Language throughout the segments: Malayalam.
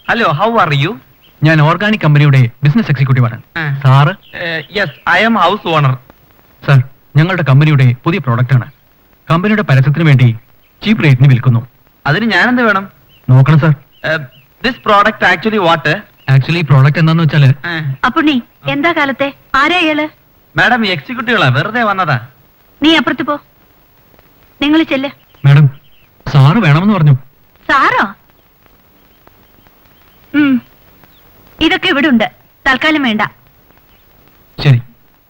Hello, how are you? ഞാൻ ഓർഗാനിക് കമ്പനിയുടെ ബിസിനസ് എക്സിക്യൂട്ടീവ് ആണ്. Sir? Yes, I'm house owner. Sir, ഞങ്ങളുടെ കമ്പനിയുടെ പുതിയ പ്രോഡക്റ്റ് ആണ്. കമ്പനിയുടെ പരസ്യത്തിന് വേണ്ടി ചീപ്പ് റേറ്റിന് വിൽക്കുന്നു. അതിന് ഞാനെന്ത് വേണം? നോക്കണം sir. This product actually what? Actually product എന്താന്ന് വെച്ചാല് അപ്പുണ്ണി, എന്താ കാലത്തെ ആരാ അയാള്? മാഡം, എക്സിക്യൂട്ടീവുകളാ, വെറുതെ വന്നതാ. നീ അപ്പുറത്ത് പോ. നിങ്ങൾ ചെല്ല്. മാഡം, സാറ് വേണമെന്ന് പറഞ്ഞു. സാറോ? ഇതൊക്കെ ഇവിടെ ഉണ്ട്. തൽക്കാലം വേണ്ട. ശരി.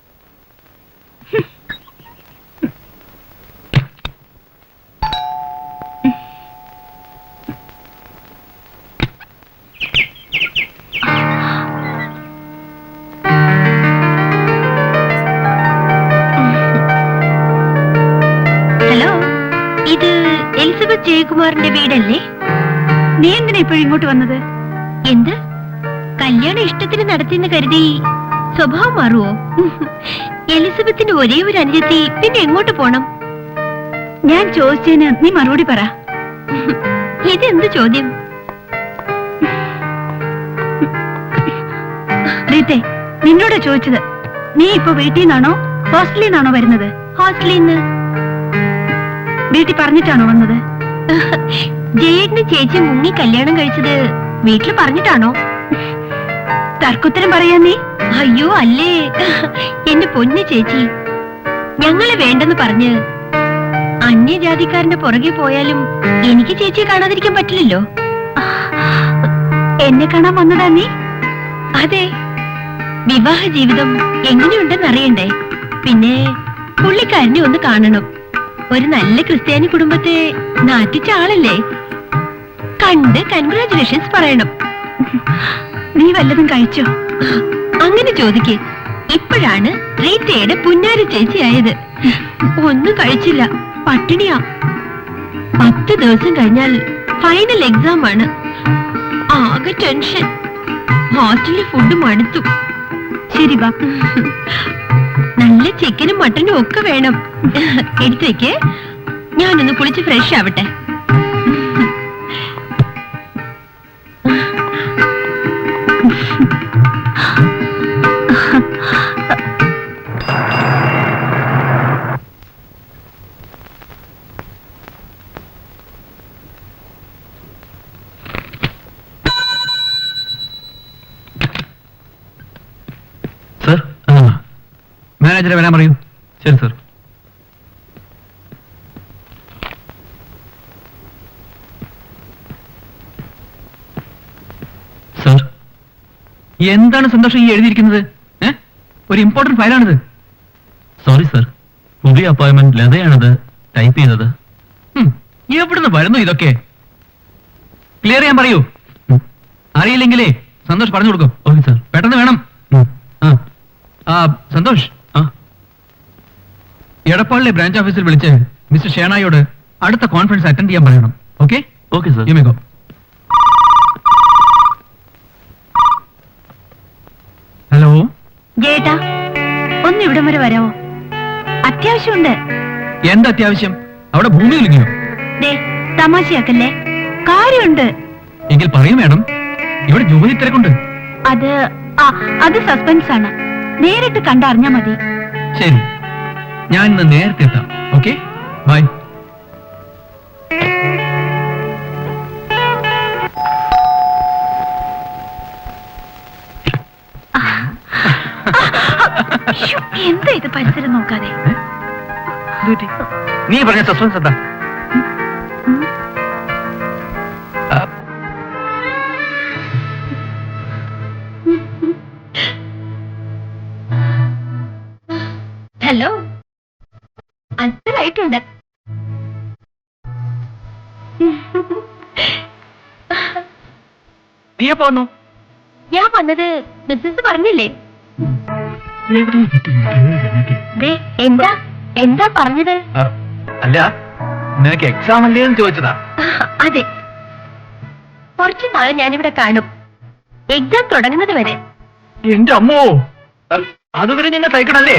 ഹലോ, ഇത് എലിസബത്ത് ജയകുമാറിന്റെ വീടല്ലേ? നീ എന്തിനാ ഇപ്പോഴും ഇങ്ങോട്ട് വന്നത്? എന്ത് കല്യാണം ഇഷ്ടത്തിന് നടത്തിയെന്ന് കരുതി സ്വഭാവം മാറുവോ? എലിസബത്തിന്റെ ഒരേ ഒരു അനുജത്തി പിന്നെ എങ്ങോട്ട് പോണം? ഞാൻ ചോദിച്ചതിന് നീ മറുപടി പറ. ഇതെന്ത് ചോദ്യം? റീത്തെ, നിന്നോടാ ചോദിച്ചത്. നീ ഇപ്പൊ വീട്ടിൽ നിന്നാണോ ഹോസ്റ്റലിൽ നിന്നാണോ വരുന്നത്? ഹോസ്റ്റലിൽ നിന്ന്. വീട്ടിൽ പറഞ്ഞിട്ടാണോ വന്നത്? ജയേട്ടന് ചേച്ചി മുങ്ങി കല്യാണം കഴിച്ചത് വീട്ടിൽ പറഞ്ഞിട്ടാണോ? തർക്കുത്തരം പറയാ നീ? അയ്യോ അല്ലേ, എന്റെ പൊന്നു ചേച്ചി, ഞങ്ങളെ വേണ്ടെന്ന് പറഞ്ഞ് അന്യജാതിക്കാരന്റെ പുറകെ പോയാലും എനിക്ക് ചേച്ചിയെ കാണാതിരിക്കാൻ പറ്റില്ലല്ലോ. എന്നെ കാണാൻ വന്നതാ നീ? അതെ. വിവാഹ ജീവിതം എങ്ങനെയുണ്ടെന്ന് അറിയണ്ടേ? പിന്നെ പുള്ളിക്കാരനെ ഒന്ന് കാണണം. ഒരു നല്ല ക്രിസ്ത്യാനി കുടുംബത്തെ നാട്ടിച്ച ആളല്ലേ, കണ്ട് കൺഗ്രാറ്റുലേഷൻസ് പറയണം. നീ വല്ലതും കഴിച്ചോ? അങ്ങനെ ചോദിക്കേ. ഇപ്പോഴാണ് റീറ്റയുടെ പുന്നാരി ചേച്ചിയായത്. ഒന്നും കഴിച്ചില്ല, പട്ടിണിയാ. 10 ദിവസം കഴിഞ്ഞാൽ ഫൈനൽ എക്സാം ആണ്. ആകെ ടെൻഷൻ. ഹോസ്റ്റലിലെ ഫുഡ് മടുത്തു. ശരി വാ. നല്ല ചിക്കനും മട്ടനും ഒക്കെ വേണം. എടുത്തേക്ക്, ഞാനൊന്ന് കുളിച്ച് ഫ്രഷ് ആവട്ടെ. സർ, മാനേജറെ വരാൻ പറയൂ. ശരി സർ. സർ, എന്താണ് സന്തോഷം ഈ എഴുതിയിരിക്കുന്നത്? ഒരു ഇമ്പോർട്ടന്റ് ഫയലാണിത്. സോറി സർ, പുതിയ അപ്പോയിന്റ്മെന്റ് ലതയാണത് ടൈപ്പ് ചെയ്തത്. എവിടുന്ന് വരുന്നു ഇതൊക്കെ? ക്ലിയർ ചെയ്യാൻ പറയൂ. അറിയില്ലെങ്കിലേ സന്തോഷ് പറഞ്ഞു കൊടുക്കും. Okay sir. പെട്ടെന്ന് വേണം. സന്തോഷ്, എടപ്പാളിലെ ബ്രാഞ്ച് ഓഫീസിൽ വിളിച്ച് മിസ്റ്റർ ഷേണായോട് അടുത്ത കോൺഫറൻസ് അറ്റൻഡ് ചെയ്യാൻ പറയണം. Okay? Okay sir. You may go. Hello ജേട്ടാ, ഒന്ന് ഇവിടം വരെ വരാമോ? അത്യാവശ്യമുണ്ട്. എന്താ അത്യാവശ്യം? അവിടെ ഭൂമി കുലുങ്ങിയോ? ദേ, തമാശയാക്കല്ലേ, കാര്യമുണ്ട്. എങ്കിൽ പറയും മേഡം, ഇവിടെ ജോലി തിരക്കുണ്ട്. അത് സസ്പെൻസ് ആണ്. നേരിട്ട് കണ്ടറിഞ്ഞാ മതി. ശരി, ഞാൻ ഇന്ന് നേരത്തെ എത്താം. Okay, bye. എന്താ ഇത് പരിസരം നോക്കാതെ? നീ പറഞ്ഞ സസ്പെൻസ് എന്താ? ഹലോ, അത്രയായിട്ടുണ്ട്. നീ എപ്പോ വന്നു? ഞാൻ വന്നത് ബിസിനസ് പറഞ്ഞില്ലേ? ദേ, എന്താ പറഞ്ഞത്? അല്ല, നിനക്ക് എക്സാം അല്ലേ എന്ന് ചോദിച്ചതാ. അതെ, കുറച്ചു നാളെ ഞാനിവിടെ കാണും, എക്സാം തുടങ്ങുന്നത് വരെ. എന്റെ അമ്മോ, അതുവരെ നിന്നെ തയ്ക്കണല്ലേ?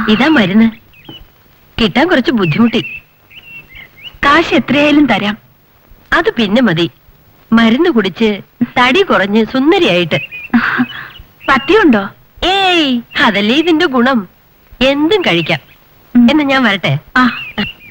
ഇതാ മരുന്ന്. കിട്ടാൻ കുറച്ച് ബുദ്ധിമുട്ടി. കാശ് എത്രയായാലും തരാം. അത് പിന്നെ മതി. മരുന്ന് കുടിച്ച് തടി കുറഞ്ഞ് സുന്ദരിയായിട്ട്. പത്തിയുണ്ടോ? ഏയ്, അതല്ലേ ഇതിന്റെ ഗുണം. എന്തും കഴിക്കാം. എന്ന് ഞാൻ വരട്ടെ.